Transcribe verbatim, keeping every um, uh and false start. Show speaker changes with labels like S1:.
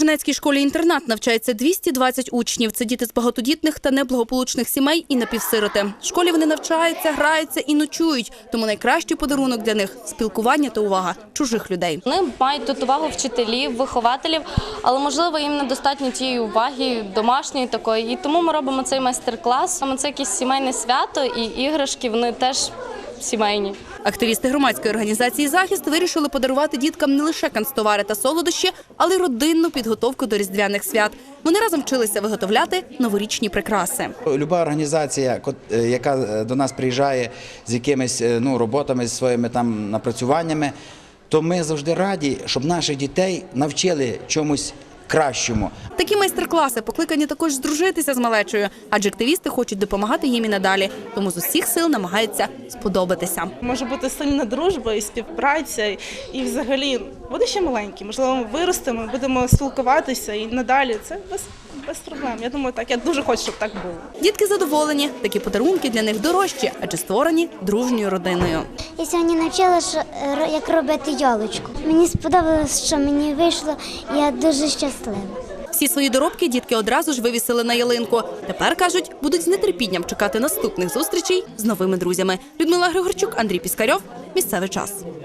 S1: Сторожинецькій школі-інтернат навчається двісті двадцять учнів. Це діти з багатодітних та неблагополучних сімей і напівсироти. В школі вони навчаються, граються і ночують. Тому найкращий подарунок для них – спілкування та увага чужих людей.
S2: Вони мають тут увагу вчителів, вихователів, але, можливо, їм недостатньо тієї уваги домашньої такої. І тому ми робимо цей майстер-клас. Саме це якесь сімейне свято, і іграшки, вони теж сімейні.
S1: Активісти громадської організації «Захист» вирішили подарувати діткам не лише канцтовари та солодощі, але й родинну підготовку до різдвяних свят. Вони разом вчилися виготовляти новорічні прикраси.
S3: Люба організація, яка до нас приїжджає з якимись ну, роботами, зі своїми там напрацюваннями, то ми завжди раді, щоб наших дітей навчили чомусь кращому.
S1: Такі майстер-класи покликані також здружитися з малечою, адже активісти хочуть допомагати їм і надалі, тому з усіх сил намагаються сподобатися.
S4: Може бути сильна дружба і співпраця, і взагалі буде ще маленькі, можливо, ми виростемо, будемо спілкуватися і надалі. Це без, без проблем. Я думаю, так, я дуже хочу, щоб так було.
S1: Дітки задоволені, такі подарунки для них дорожчі, адже створені дружньою родиною.
S5: Я сьогодні навчила, як робити ялочку. Мені сподобалось, що мені вийшло, і я дуже щаслива.
S1: Всі свої доробки дітки одразу ж вивісили на ялинку. Тепер, кажуть, будуть з нетерпінням чекати наступних зустрічей з новими друзями. Людмила Григорчук, Андрій Піскарьов. Місцевий час.